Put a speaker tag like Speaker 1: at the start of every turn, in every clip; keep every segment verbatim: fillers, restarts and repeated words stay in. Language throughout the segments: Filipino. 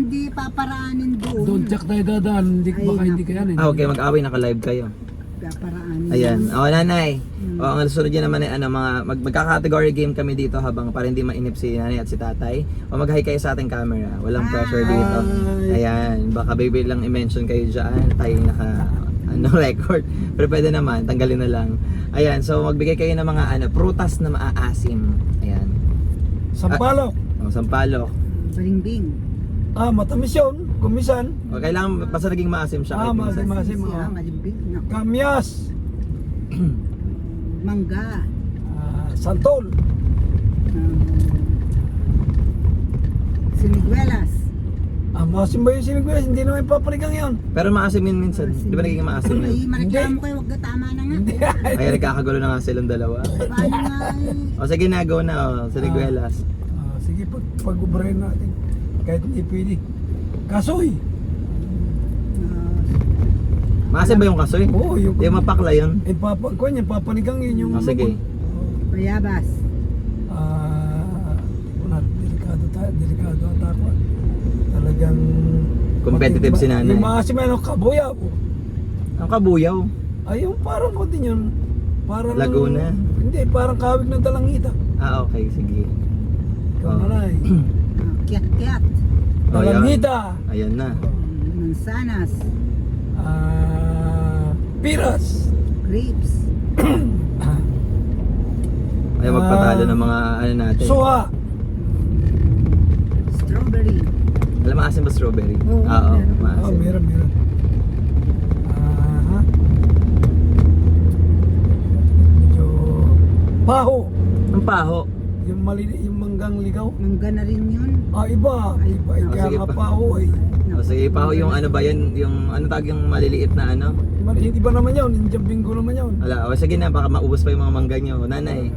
Speaker 1: hindi paparaanin doon.
Speaker 2: Doon check tayo dadaan, hindi,
Speaker 1: Ay,
Speaker 2: baka hindi
Speaker 1: naku.
Speaker 2: kaya.
Speaker 3: Ah, okay, mag-away, naka-live kayo.
Speaker 1: Paparaanin.
Speaker 3: Ayan.
Speaker 1: doon.
Speaker 3: O, nanay.
Speaker 1: Hmm.
Speaker 3: O, ang susunod yun naman ay ano, mga mag magka-category game kami dito habang para hindi mainip si nanay at si tatay. O mag-hi kayo sa ating camera. Walang pressure dito.
Speaker 2: Hi.
Speaker 3: Ayan. Baka baby lang i-mention kayo dyan. Tayo yung naka ano, record. Pero pwede naman, tanggalin na lang. Ayan. So, magbigay kayo ng mga ano, prutas na maaasim. Ayan.
Speaker 2: Sampalok.
Speaker 3: O, sampalok.
Speaker 1: Balimbing.
Speaker 2: Ah, matamis yun. Kumisan.
Speaker 3: O, kailangan basta naging maasim siya.
Speaker 2: Ah,
Speaker 3: kahit
Speaker 2: maasim.
Speaker 3: minsan.
Speaker 2: Masim,
Speaker 1: Siya,
Speaker 2: oh.
Speaker 1: malimbing. Naku.
Speaker 2: Kamyas.
Speaker 1: Mangga.
Speaker 2: Ah, santol.
Speaker 1: Um, siniguelas.
Speaker 2: Ah, masim ba yung sinigwes? Hindi naman papaligang yun.
Speaker 3: Pero maasim yun minsan. Di ba naging maasim yun?
Speaker 1: Ay, mareklamo kayo, wag na tama na nga.
Speaker 2: Hindi.
Speaker 3: Kaya nagkakagulo na nga silang dalawa.
Speaker 1: Paano nga eh?
Speaker 3: O sige na, go na o. Sa Liguelas.
Speaker 2: Ah, sige, pag pag-ubrahin natin. Kahit hindi pwede. Kasoy.
Speaker 3: Maasim ba yung kasoy?
Speaker 2: Oo, yung...
Speaker 3: Di mapakla yun.
Speaker 2: Eh, papa, kuwan yan, papanigang yun yung...
Speaker 3: O sige.
Speaker 1: Bayabas.
Speaker 2: Ah, uh, delikado tayo, delikado ata ako. Talagang...
Speaker 3: Competitive si nanay.
Speaker 2: Yung maasim ano, kabuyaw.
Speaker 3: Ang kabuyaw.
Speaker 2: Ay, yung parang ko din yun. Parang...
Speaker 3: Laguna.
Speaker 2: Hindi, parang kawig ng dalangita.
Speaker 3: Ah, okay. Sige.
Speaker 2: Ikaw
Speaker 3: Oh.
Speaker 2: na na eh.
Speaker 1: Ah, Kiat-kiat.
Speaker 3: Oh, yan.
Speaker 2: Dalangita.
Speaker 3: Ayan na.
Speaker 1: Mansanas.
Speaker 2: Ah, piras.
Speaker 1: Grapes.
Speaker 3: Ayaw magpatalo ng mga ano natin.
Speaker 2: Suha.
Speaker 1: Strawberry.
Speaker 3: Alam mo, asim ba strawberry?
Speaker 1: Oo,
Speaker 3: Ah, Oo,
Speaker 1: meron.
Speaker 2: Oh,
Speaker 3: maasim.
Speaker 2: meron, meron. Ah, medyo... Paho.
Speaker 3: Ang paho.
Speaker 2: Yung mali, yung manggang ligaw.
Speaker 1: Mangga na rin yun.
Speaker 2: Ah, iba. Iba.
Speaker 1: Ay,
Speaker 2: Kaya
Speaker 3: sige
Speaker 2: nga
Speaker 3: pa.
Speaker 2: paho eh.
Speaker 3: O sige, paho yung ano ba yan? Yung ano tawag yung maliliit na ano?
Speaker 2: Mali, iba naman yun. Indian bingo naman yun.
Speaker 3: Wala. O sige na, baka maubos pa yung mga mangga nyo. Nanay.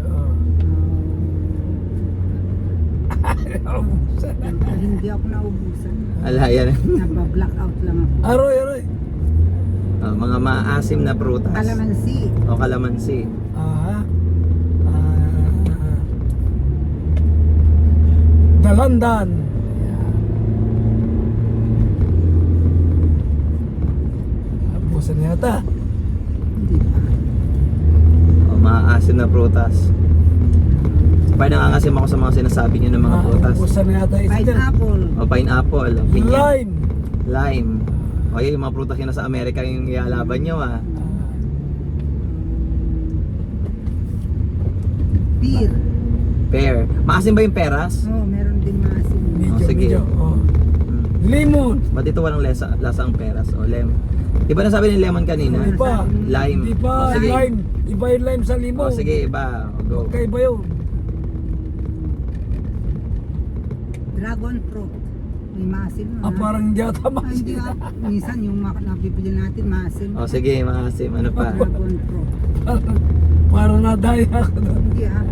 Speaker 2: Ah.
Speaker 1: Ah, hindi ako naubusan.
Speaker 3: Ala, yan.
Speaker 1: Nagba-blackout lang ako.
Speaker 2: Aroy, aroy.
Speaker 3: O, mga maasim na prutas.
Speaker 1: Kalamansi.
Speaker 3: O kalamansi.
Speaker 2: Ah, ah, dalandan. Abusan na yata.
Speaker 1: Hindi pa.
Speaker 3: O, maasim na prutas. Parang nangangasim ako sa mga sinasabi nyo ng mga
Speaker 2: Ah,
Speaker 3: prutas.
Speaker 2: abusan na yata isa dyan.
Speaker 1: Pineapple.
Speaker 3: O, pineapple. O, pinya.
Speaker 2: Lime.
Speaker 3: Lime. O, yun, yung mga prutas yun sa Amerika yung ialaban nyo ah.
Speaker 1: Pear.
Speaker 3: Pear. Maasim ba yung peras?
Speaker 1: Oh, meron din maasim.
Speaker 2: Medyo,
Speaker 3: Oh, sige.
Speaker 2: medyo. Oh.
Speaker 3: Hmm.
Speaker 2: Lemon.
Speaker 3: Ba't ito walang lasa, lasa ang peras? O, lemon. Di ba nasabi ni lemon kanina?
Speaker 2: Hindi pa.
Speaker 3: Lime.
Speaker 2: Hindi pa.
Speaker 3: O, sige.
Speaker 2: Lime. Iba yung lime sa limon.
Speaker 3: O, sige, iba. O, go.
Speaker 2: Kaiba yun.
Speaker 1: Dragon fruit. May maasim.
Speaker 2: Ah, parang hindi ata
Speaker 1: Ah,
Speaker 2: mas.
Speaker 1: hindi ah. Minsan yung mak- nabibili natin maasim.
Speaker 3: O, sige, maasim. Ano pa?
Speaker 1: Dragon fruit.
Speaker 2: Parang nadaya ako doon.
Speaker 1: Hindi ah.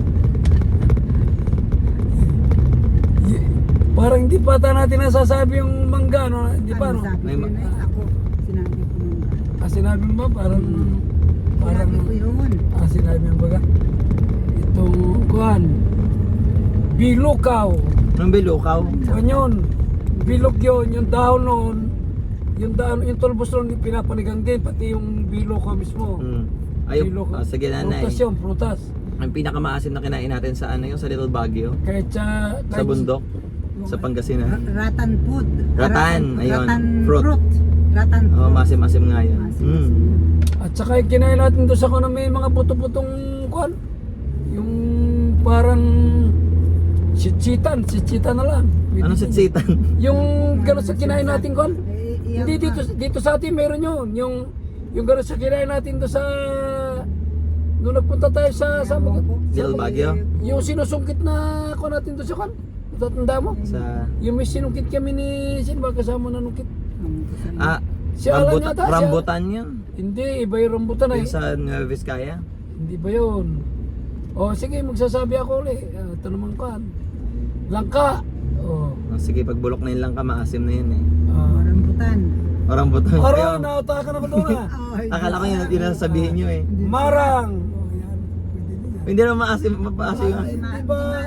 Speaker 2: Y- Parang hindi pa ata natin nasasabi yung mangga, no? Hindi pa,
Speaker 1: Ano
Speaker 2: no?
Speaker 1: sabi
Speaker 3: May
Speaker 1: ko
Speaker 3: ma-
Speaker 1: yun eh. Ako, sinabi ko nung
Speaker 2: Ah, sinabi mo ba? Parang, parang,
Speaker 1: Sinabi ko yun.
Speaker 2: ah, sinabi mo ba? Itong, kuhan, bilukaw.
Speaker 3: Anong bilukaw?
Speaker 2: Kuhan yun. Bilog yun, yung dahon noon, yung dahon, yung tulbos noon, pinapanigang din, pati yung bilukaw mismo.
Speaker 3: Hmm. Ayun.
Speaker 2: Bilukaw.
Speaker 3: O, sige, nanay.
Speaker 2: Prutas yun, prutas.
Speaker 3: Ang pinakamaasim na kinain natin sa ano yung sa Little Baguio?
Speaker 2: Kahit sa,
Speaker 3: Sa
Speaker 2: kahit-
Speaker 3: bundok? Sa Pangasinan?
Speaker 1: Ra- Ratan food.
Speaker 3: Ratan, ayun.
Speaker 1: Ratan
Speaker 3: Fruit.
Speaker 1: fruit. Ratan
Speaker 3: Oo,
Speaker 1: fruit.
Speaker 3: masim-masim nga yun.
Speaker 1: Maasim,
Speaker 3: Hmm.
Speaker 1: maasim.
Speaker 2: At saka yung kinain natin doon sa kuno may mga puto-putong kuan. Yung parang sitsitan, sitsitan na lang.
Speaker 3: Anong sitsitan?
Speaker 2: Yung gano'n sa kinain natin kuan.
Speaker 1: Eh, iyak
Speaker 2: Hindi
Speaker 1: ka.
Speaker 2: dito dito sa atin meron yun. Yung yung gano'n sa kinain natin doon sa doon nagpunta tayo sa sa,
Speaker 1: Ewan ko.
Speaker 3: Little Baguio?
Speaker 2: yung sinusungkit na kuan natin doon sa kuan. Tatanda mo?
Speaker 3: Sa...
Speaker 2: Yung may sinungkit kami ni sino ba kasama na nungkit?
Speaker 3: Ah,
Speaker 2: Si Alan
Speaker 3: rambut-
Speaker 2: yata, si
Speaker 3: rambutan yun.
Speaker 2: Hindi, iba yung rambutan na
Speaker 3: Yung
Speaker 2: eh.
Speaker 3: sa Nueva Vizcaya.
Speaker 2: Hindi ba yun? O sige, magsasabi ako ulit. Uh, ito naman kan. Langka. O.
Speaker 3: Oh, sige, pag bulok na yun lang ka, maasim na yun eh.
Speaker 2: Uh,
Speaker 1: Rambutan.
Speaker 3: O, rambutan.
Speaker 2: Aro,
Speaker 3: Ayun.
Speaker 2: nautakan ako doon ah.
Speaker 1: Ay,
Speaker 3: Akala ko yun, yun ang sabihin nyo eh.
Speaker 2: Marang. O yan. Pwede din yan.
Speaker 3: Hindi naman maasim, mapaasim.
Speaker 1: Ay, ma-
Speaker 2: Diba,
Speaker 1: maasim.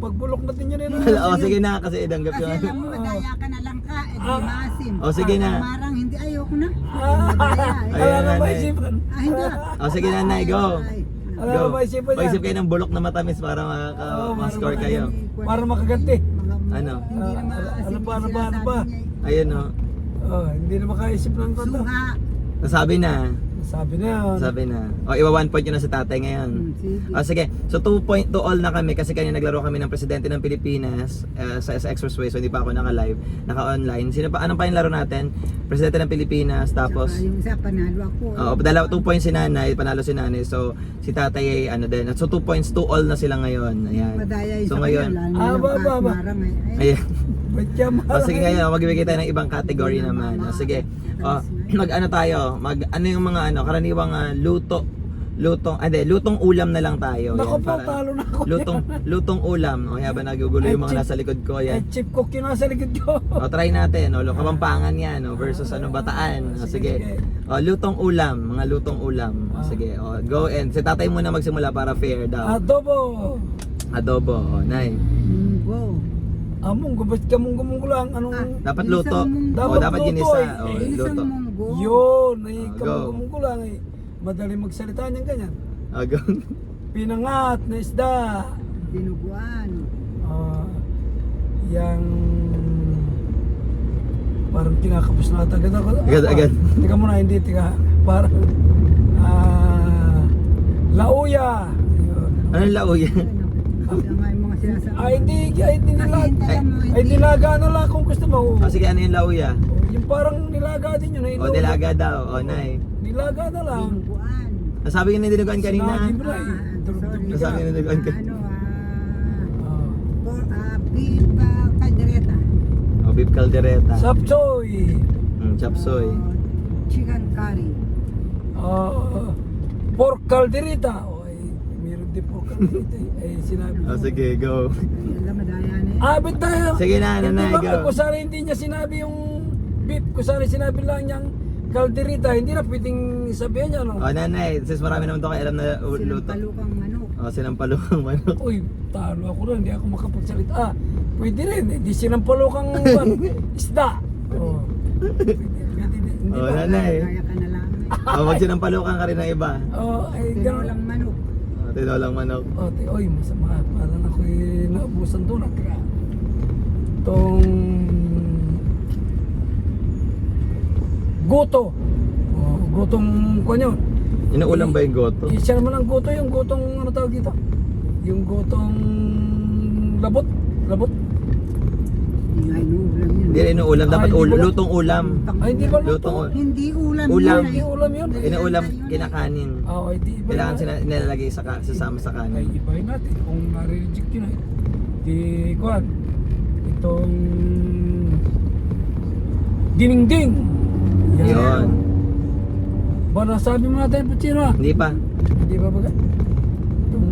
Speaker 2: pagbulok natin yun yun.
Speaker 3: O sige na, kasi idanggap
Speaker 1: Kasi
Speaker 3: yung
Speaker 1: alam mo, madaya ka na lang ka, eh di
Speaker 2: Ah.
Speaker 1: maasim.
Speaker 3: O sige na.
Speaker 1: Marang, hindi, ayoko na.
Speaker 2: Ah,
Speaker 1: Madaya, eh.
Speaker 3: Ayun,
Speaker 2: Wala na
Speaker 3: nanay.
Speaker 2: maisipan.
Speaker 1: Ah, hindi.
Speaker 3: O sige nanay, go.
Speaker 1: Ay,
Speaker 2: Wala
Speaker 3: Go.
Speaker 2: na maisipan yan.
Speaker 3: Mag-isip kayo ng bulok na matamis para
Speaker 2: Oo,
Speaker 3: makaka-score
Speaker 2: para
Speaker 3: kayo.
Speaker 2: Para makaganti.
Speaker 1: mga-
Speaker 3: Ano?
Speaker 1: Hindi na
Speaker 2: Ah,
Speaker 1: maasim
Speaker 2: ano pa, ano
Speaker 1: yung
Speaker 2: pa, ano
Speaker 1: sinasabi
Speaker 2: pa?
Speaker 1: niya eh.
Speaker 3: Ayun o.
Speaker 2: Oh, hindi na makaisip ng kanta.
Speaker 1: Suha.
Speaker 3: Nasabi na.
Speaker 2: Sabi na yun.
Speaker 3: Sabi na. O iwa one point yun na sa tatay ngayon.
Speaker 1: Hmm, sige.
Speaker 3: O sige, so two point to all na kami kasi kanina naglaro kami ng Presidente ng Pilipinas uh, sa, sa Expressway, so hindi pa ako naka-live, naka-online. Sino pa, anong pa yung laro natin? Presidente ng Pilipinas, tapos
Speaker 1: Saka yung isa, panalo ako.
Speaker 3: Oo, dalawa two points si nanay, panalo si nanay. So si tatay ay ano din. So two points to all na sila ngayon. Ayan.
Speaker 1: Madaya yung
Speaker 3: So
Speaker 1: sa
Speaker 3: ngayon,
Speaker 1: kanya, lalo
Speaker 2: Ah,
Speaker 1: na
Speaker 2: ba,
Speaker 1: lang
Speaker 2: ba,
Speaker 1: kahit
Speaker 2: ba.
Speaker 1: marang eh. Ay,
Speaker 3: ayan.
Speaker 2: Ba't ka
Speaker 3: O
Speaker 2: marang
Speaker 3: sige
Speaker 2: eh?
Speaker 3: ngayon, magbibigay tayo ng ibang category naman. O sige. O, mag ano tayo? Mag ano yung mga ano, karaniwang ah, luto. Lutong, ah, di, lutong ulam na lang tayo.
Speaker 2: Naku
Speaker 3: Yan,
Speaker 2: po,
Speaker 3: para-
Speaker 2: talo na ako.
Speaker 3: Lutong lutong ulam. O habang nagugulo yung mga
Speaker 2: Ay,
Speaker 3: nasa likod ko
Speaker 2: Eh,
Speaker 3: yan.
Speaker 2: chip cook yun nasa likod ko.
Speaker 3: O try natin, o Kapampangan yan, o versus ano Bataan. O
Speaker 2: Sige,
Speaker 3: sige. O lutong ulam, mga lutong ulam. O
Speaker 2: Ah.
Speaker 3: sige. O go and si tatay muna magsimula para fair daw.
Speaker 2: Adobo.
Speaker 3: Adobo, o nay.
Speaker 1: munggo.
Speaker 2: Among, gubit ka mong gumunggo lang. Anong...
Speaker 1: Ah,
Speaker 3: Dapat
Speaker 1: Ginisang
Speaker 3: luto.
Speaker 1: munggo.
Speaker 3: O
Speaker 2: Dapat
Speaker 3: dapat
Speaker 2: luto,
Speaker 3: ginisa.
Speaker 2: eh.
Speaker 3: O
Speaker 1: Ginisang
Speaker 3: luto.
Speaker 1: munggo.
Speaker 2: Yun, ay
Speaker 3: Ah,
Speaker 2: kamong
Speaker 3: go.
Speaker 2: gumunggo lang eh. Madali magsalita niyan ganyan.
Speaker 3: O go.
Speaker 2: Pinangat na isda.
Speaker 1: Dinuguan.
Speaker 2: Ah, yang parang kinakapos na ata agad ako.
Speaker 3: Agad, agad.
Speaker 2: Tika muna, hindi, tika. Parang ah, lauya. Yun.
Speaker 3: Ano lauya?
Speaker 1: Ano nga yung mga sinasabi.
Speaker 2: Ay, hindi, ay, hindi
Speaker 1: Kasi
Speaker 2: nilaga.
Speaker 1: hintayan mo,
Speaker 2: Ay,
Speaker 1: hindi.
Speaker 2: nilaga na lang kung gusto mo.
Speaker 3: O sige, ano yung lauya?
Speaker 2: Yung parang nilaga din yun. ay,
Speaker 3: O nilaga daw. O nay.
Speaker 2: Nilaga na lang.
Speaker 1: Dinuguan.
Speaker 3: Nasabi ko na dinugan kanina.
Speaker 2: Sinabi mo na eh.
Speaker 1: Ah,
Speaker 2: Durug-durug
Speaker 1: sorry.
Speaker 2: ka.
Speaker 3: Nasabi na dinugan ka.
Speaker 1: Ano, ah,
Speaker 2: Ah.
Speaker 1: por, ah, beef ah, caldereta.
Speaker 3: O beef caldereta.
Speaker 2: Sapsoy.
Speaker 3: Mm, chop suey.
Speaker 1: Ah, chicken curry.
Speaker 2: Ah, pork calderita. O, ay, meron din pork calderita. eh. Ay, sinabi
Speaker 3: O
Speaker 2: ko.
Speaker 3: sige, go.
Speaker 1: Ay, alam, madaya na eh.
Speaker 2: Abit tayo.
Speaker 3: Sige na,
Speaker 2: Hindi
Speaker 3: nanay,
Speaker 2: ba,
Speaker 3: go.
Speaker 2: kung saan hindi niya sinabi yung beef, kung saan sinabi lang niyang calderita, hindi na pwedeng sabihin niya, no?
Speaker 3: O nanay, since marami naman to kayo alam na uh,
Speaker 1: Silang
Speaker 3: luto.
Speaker 1: palukang manok.
Speaker 3: O sinampalukang manok.
Speaker 2: Uy, talo ako rin, hindi ako makapagsalita. Ah, pwede rin, hindi sinampalukang kang isda. Oh. Pwede, pwede, din. hindi
Speaker 3: Oh,
Speaker 2: ba?
Speaker 3: nanay.
Speaker 1: Kaya ka na lang eh.
Speaker 3: O mag sinampalukang ka rin ng iba.
Speaker 2: Oh, ay, ganun.
Speaker 1: Tinolang manok.
Speaker 3: O tinolang manok.
Speaker 2: Oh, te, oy, masama. Parang ako'y naubusan doon. Kaya, itong goto. Oh, gotong kwan yun.
Speaker 3: Inuulam ba yung goto?
Speaker 2: Eh, siya naman ang goto, yung gotong ano tawag dito? Yung gotong labot. Labot.
Speaker 1: Hindi nga inuulam yun.
Speaker 3: Hindi rin inuulam, dapat
Speaker 2: Ah, hindi
Speaker 3: ul-
Speaker 2: ulam.
Speaker 3: lutong ulam.
Speaker 2: Ay, hindi ba
Speaker 3: Lutong
Speaker 2: luto?
Speaker 3: ulam.
Speaker 1: Hindi ulam
Speaker 3: Ulam.
Speaker 1: yun.
Speaker 2: Hindi
Speaker 1: ay.
Speaker 2: ulam yun.
Speaker 3: Inuulam,
Speaker 1: Yun, yun.
Speaker 3: kinakanin.
Speaker 2: Oo, ay, di iba
Speaker 3: Kailangan
Speaker 2: yun.
Speaker 3: sina nilalagay sa ka- sasama sa
Speaker 2: Ay,
Speaker 3: kanin.
Speaker 2: ibahin natin kung nare-reject yun ay. Di, kuhan. Itong diningding.
Speaker 3: Yun.
Speaker 2: Ba, nasabi mo natin, Puchino ah.
Speaker 3: Hindi pa.
Speaker 2: Hindi ba baga? Itong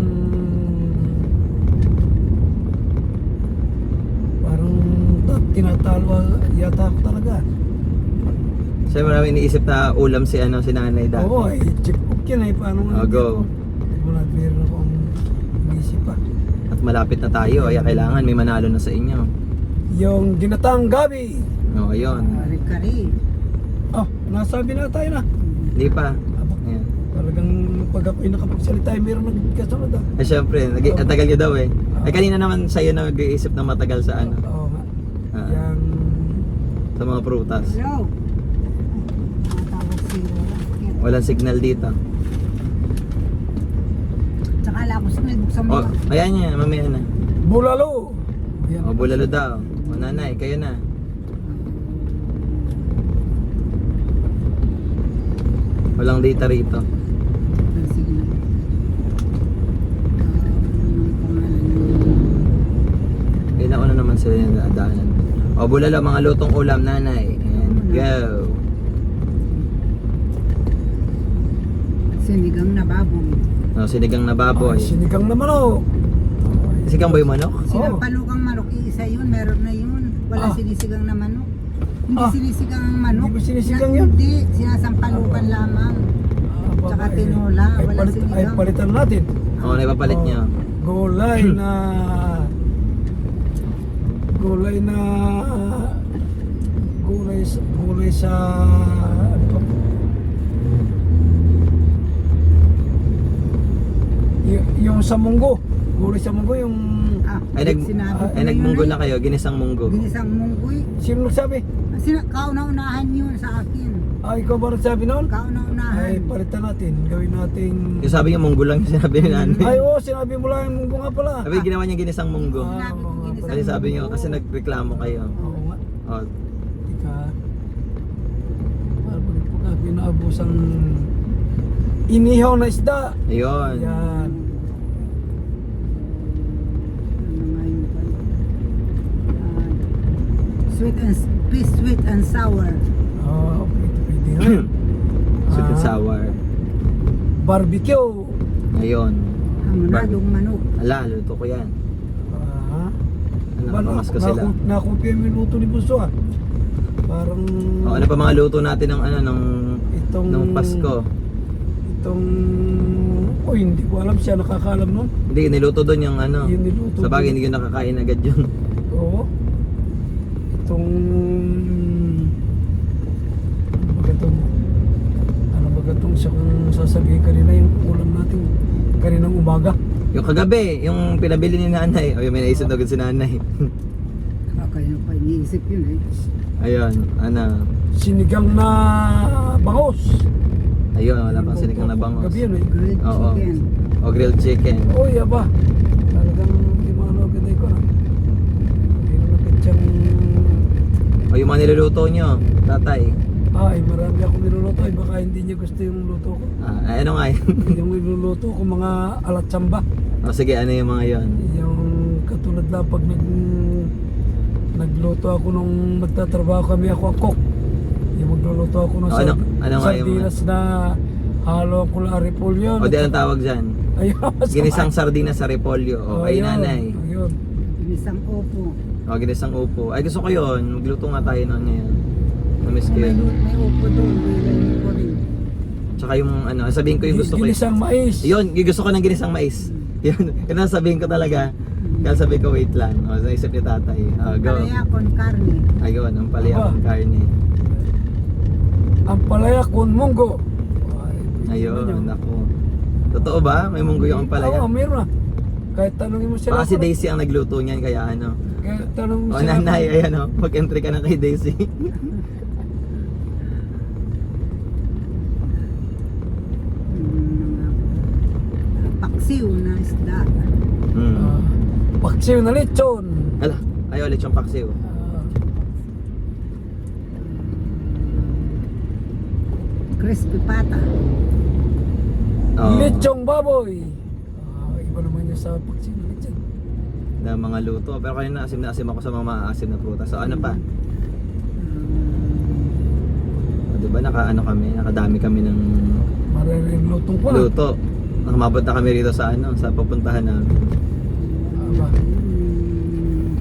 Speaker 2: parang ta- tinatalo yata ako talaga.
Speaker 3: Siya marami iniisip na ulam si ano si nanay dati.
Speaker 2: Oo, ay chip cook yun ay. Paano nga
Speaker 3: Oh, go.
Speaker 2: Wala, meron akong inisip pa.
Speaker 3: At malapit na tayo, kaya kailangan may manalo na sa inyo.
Speaker 2: Yung ginatang gabi.
Speaker 3: O, ayun.
Speaker 1: Kari-kari.
Speaker 2: Oh, nasabi na tayo na.
Speaker 3: Hindi pa.
Speaker 2: Aba,
Speaker 3: Ayan.
Speaker 2: talagang pag ako'y nakapagsalita, ay meron nagkasunod ah.
Speaker 3: Eh syempre, nag- ang tagal nyo daw eh. Eh kanina naman sa'yo na nag-iisip na matagal sa ano,
Speaker 2: Oo nga.
Speaker 3: Ah.
Speaker 2: Yang
Speaker 3: sa mga prutas.
Speaker 1: Hello. Matawag si Roland.
Speaker 3: Walang signal dito.
Speaker 1: Tsaka lapos na, buksan mo.
Speaker 3: O, ayan niya, mamaya na.
Speaker 2: bulalo. Yan.
Speaker 3: O, bulalo daw. O, nanay, kayo na. Walang data rito.
Speaker 1: Sige na. Ah, anong pangalan yun?
Speaker 3: Kailan ko na naman sila yung daanan. O, bulalo, mga lutong ulam, nanay. And go.
Speaker 1: Sinigang na baboy.
Speaker 3: O, sinigang na baboy.
Speaker 2: Ay, sinigang na manok.
Speaker 3: Sinigang ba yung manok?
Speaker 1: Sinampalukang manok, iisa yun, meron na yun. Wala
Speaker 2: Ah.
Speaker 1: sinisigang na manok. Hindi
Speaker 2: Ah.
Speaker 1: sinisigang ang manok.
Speaker 2: Hindi ba sinisigang
Speaker 1: Na-
Speaker 2: yun?
Speaker 1: Hindi, sinasampalukan lamang.
Speaker 2: Ah,
Speaker 1: Tsaka
Speaker 2: babae.
Speaker 1: tinola,
Speaker 2: Ay,
Speaker 1: walang
Speaker 2: palit, ay
Speaker 1: sinigang.
Speaker 2: palitan natin.
Speaker 3: O, naipapalit
Speaker 2: Oh,
Speaker 3: nyo.
Speaker 2: Gulay na gulay na gulay sa gulay sa ano to? Y- yung sa munggo, gulay sa munggo yung
Speaker 1: Ah,
Speaker 3: Ay, nag,
Speaker 1: sinabi ko
Speaker 3: ay
Speaker 1: na
Speaker 3: nagmunggo
Speaker 1: yun
Speaker 3: na kayo, ginisang munggo.
Speaker 1: eh. Ginisang munggoy.
Speaker 2: sino nagsabi?
Speaker 1: Sina, kauna-unahan yun sa akin.
Speaker 2: Ah, ikaw ba nagsabi noon?
Speaker 1: Kauna-unahan.
Speaker 2: Ay, palitan natin. Gawin nating...
Speaker 3: Yung sabi niya munggo lang yung sinabi ni nanay.
Speaker 2: Ay, oo, sinabi mo lang yung munggo nga pala.
Speaker 3: Sabi ginawa niya ginisang munggo.
Speaker 2: Ah,
Speaker 1: Sinabi ko
Speaker 2: oo nga
Speaker 1: ginisang
Speaker 2: pala.
Speaker 3: Kasi sabi niyo, kasi nagreklamo kayo.
Speaker 2: Oo nga.
Speaker 3: Oh,
Speaker 2: Tika. Parang pag pinabusang inihaw na isda.
Speaker 3: ayun.
Speaker 2: Yan.
Speaker 1: Ano nga yun pala? Ah, sweet and please sweet and sour.
Speaker 2: Oo, pwede, pwede nga.
Speaker 3: Sweet and
Speaker 2: Ah.
Speaker 3: sour.
Speaker 2: Barbecue.
Speaker 3: Ayun.
Speaker 1: Hamonadong manok.
Speaker 3: Ala, luto ko yan.
Speaker 2: Ah.
Speaker 3: Ano, nakapamas ko sila.
Speaker 2: Nakumpir mo yung luto ni Bunso ah. Parang...
Speaker 3: Oh, ano pa mga luto natin ng ano, ng,
Speaker 2: Itong...
Speaker 3: ng Pasko?
Speaker 2: Itong... Oh, hindi ko alam siya nakakaalam nun.
Speaker 3: Hindi, niluto doon yung ano.
Speaker 2: Yung niluto
Speaker 3: Sa bagay,
Speaker 2: doon.
Speaker 3: hindi ko nakakain agad yun.
Speaker 2: Oo. Itong... Ano ba itong... Ano ba itong siya kung sasabihin kanina yung ulam natin kaninang umaga?
Speaker 3: Yung kagabi, yung pinabili ni nanay. O, yung may naisip na agad si nanay.
Speaker 1: Kaya pa iniisip yun eh.
Speaker 3: Ayun, ano.
Speaker 2: Sinigang na bangos.
Speaker 3: Ayun, wala pang sinigang na bangos.
Speaker 2: Gabi yun eh.
Speaker 1: Grilled
Speaker 3: Oo.
Speaker 1: chicken.
Speaker 3: O grilled chicken.
Speaker 2: Oy, aba. Talagang di mo ano agad ko na. Hindi na nagkatsang...
Speaker 3: O yung mga niluluto nyo, tatay.
Speaker 2: Ay, marami akong niluluto. Ay, baka hindi niya gusto yung luto ko.
Speaker 3: Ah, ay, ano nga yun?
Speaker 2: Yung niluluto ko mga alatsamba.
Speaker 3: O sige, ano yung mga yon?
Speaker 2: Yung katulad na pag nag nagluto ako nung nagtatrabaho kami ako ang cook. Yung magluluto ako ng
Speaker 3: O, ano- ano nga yung-
Speaker 2: sardinas na halo ko lang repolyo.
Speaker 3: O di anong tawag dyan?
Speaker 2: Ayun, masama.
Speaker 3: Ginisang sardinas sa repolyo. O kay
Speaker 2: Ayun,
Speaker 3: nanay.
Speaker 2: Ayun.
Speaker 1: Ginisang opo.
Speaker 3: O ginisang upo. Ay gusto ko yun. Magluto nga tayo noon ngayon. Namiss ko
Speaker 1: May,
Speaker 3: yun.
Speaker 1: may opo doon. May ko rin.
Speaker 3: Tsaka yung ano, sabihin ko yung gusto ko.
Speaker 2: Ginisang mais.
Speaker 3: Yun, yung gusto ko ng ginisang mais. Yun, yun ang sabihin ko talaga. Kaya sabi ko wait lang. O naisip ni tatay. O go.
Speaker 1: Palaya con carne.
Speaker 3: Ayun, ang palaya
Speaker 2: Aba.
Speaker 3: ng karne.
Speaker 2: Ang palaya con munggo. Ay,
Speaker 3: Ayun,
Speaker 2: yun.
Speaker 3: ako. Totoo ba? May munggo yung palaya?
Speaker 2: Oo, meron na. Kahit tanongin mo sila.
Speaker 3: Baka si Daisy ang nagluto niyan, kaya ano.
Speaker 2: Kahit tanongin mo
Speaker 3: O
Speaker 2: sila.
Speaker 3: nanay, ayan o. Mag-entry ka na kay Daisy.
Speaker 1: Mm, paksiw na isda.
Speaker 3: hmm.
Speaker 2: Ah, paksiw na lechon.
Speaker 3: Hala, ayaw ulit yung paksiw.
Speaker 2: Ah,
Speaker 1: Crispy pata.
Speaker 3: Oo.
Speaker 2: Lechong baboy. Ah, iba naman yung sa paksiw na lechon.
Speaker 3: Na mga luto. Pero kanina asim na asim ako sa mga maasim na prutas. So ano pa? O, diba naka ano kami, nakadami kami ng
Speaker 2: Maraming lutong pa.
Speaker 3: luto. Nakamabot na kami rito sa ano, sa pupuntahan namin.
Speaker 2: Aba.
Speaker 1: Mm,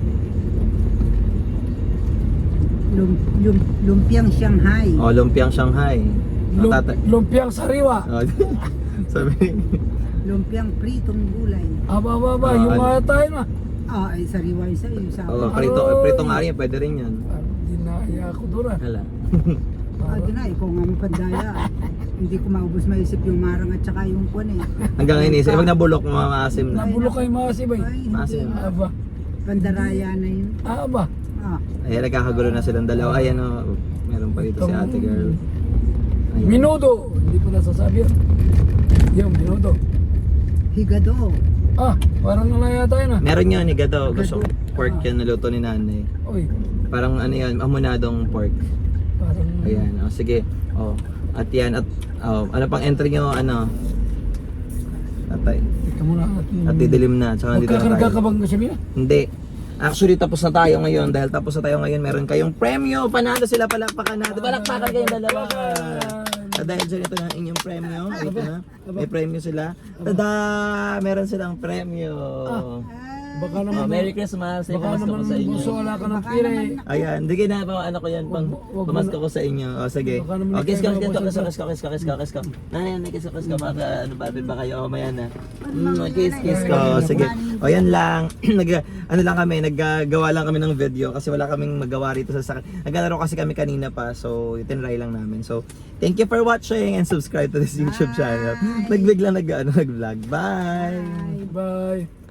Speaker 1: lum, lum, lumpiang Shanghai.
Speaker 3: O, lumpiang Shanghai. Ang
Speaker 2: Lum-
Speaker 3: tata-
Speaker 2: lumpiang sariwa.
Speaker 3: O, sabi,
Speaker 1: Lumpiang pritong gulay.
Speaker 2: Aba, aba, aba.
Speaker 3: Ah,
Speaker 2: yung
Speaker 3: ano?
Speaker 2: mga tayo na.
Speaker 1: Ah, ay sariwa yung sa iyo. Sa
Speaker 3: oh,
Speaker 1: akin.
Speaker 3: prito,
Speaker 2: Aroy!
Speaker 3: pritong ari, pwede rin yan.
Speaker 2: Ah, Dinaya ako doon ah.
Speaker 3: Hala.
Speaker 1: Ah, di na, ikaw nga mapandaya. Hindi ko maubos maisip yung marang at saka yung kwan eh.
Speaker 3: Hanggang inisip, pag nabulok, maasim na.
Speaker 2: Nabulok kayo mga sibay.
Speaker 1: Ay, hindi
Speaker 3: Maasim.
Speaker 1: na.
Speaker 2: Aba.
Speaker 1: Pandaraya na yun.
Speaker 2: Ah, aba.
Speaker 1: Ah,
Speaker 3: Ayan, nagkakagulo na silang dalawa. Ay, ano, meron pa dito si ate girl. Ayan.
Speaker 2: Minudo. Hindi ko nasasabi yun. Yung minudo.
Speaker 1: higado.
Speaker 2: Ah, parang nalaya tayo na.
Speaker 3: Meron yun, higado. Gusto ko
Speaker 1: Higado.
Speaker 3: pork yun, naluto ni nanay.
Speaker 2: Uy,
Speaker 3: Parang ano yun, amunadong pork.
Speaker 2: parang...
Speaker 3: Ayan, oh, sige. Oh, at yan, at oh, ano pang entry nyo, ano? Tatay.
Speaker 2: Teka muna.
Speaker 3: At didilim na, tsaka nandito na
Speaker 2: Magkakarga ka
Speaker 3: tayo.
Speaker 2: bang kasi niya?
Speaker 3: Hindi. Actually, tapos na tayo ngayon. Dahil tapos na tayo ngayon, meron kayong premyo. Panalo sila, palakpakan natin. Palakpakan kayong dalawa. At dahil dyan, ito na ang inyong premyo. Ito na. May premyo sila. Tada! Meron silang premyo.
Speaker 2: Baka
Speaker 3: Oh,
Speaker 2: naman,
Speaker 3: Merry Christmas. Ay,
Speaker 2: baka
Speaker 3: pamasko
Speaker 2: naman
Speaker 3: ko sa inyo.
Speaker 2: gusto wala ka ng
Speaker 1: Baka
Speaker 2: pira
Speaker 1: naman
Speaker 2: eh.
Speaker 1: na-
Speaker 3: Ayan, hindi na pa ano ko yan pang
Speaker 2: Wag mo- wag mo
Speaker 3: pamasko
Speaker 2: na-
Speaker 3: ko sa inyo. O sige.
Speaker 2: Baka naman
Speaker 3: O kiss ka,
Speaker 2: ikaw
Speaker 3: kiss ka,
Speaker 2: na
Speaker 3: kiss ka,
Speaker 2: pasensya.
Speaker 3: kiss ka, kiss ka, kiss ka, kiss ka. Nanay, nanay, kiss ka, kiss ka, baka ano ba ba kayo? O maya na. Mm,
Speaker 1: Mga
Speaker 3: kiss,
Speaker 1: nanay,
Speaker 3: kiss
Speaker 2: nanay,
Speaker 3: ko. O
Speaker 2: nanay,
Speaker 3: sige.
Speaker 1: nanay.
Speaker 3: O yan lang. Nag ano lang kami, naggagawa lang kami ng video kasi wala kaming magawa rito sa sakit. Naglalaro kasi kami kanina pa, so itinry lang namin. So, thank you for watching and subscribe to this YouTube channel. Nagbigla nag ano, nag-vlog. Bye.
Speaker 2: Bye.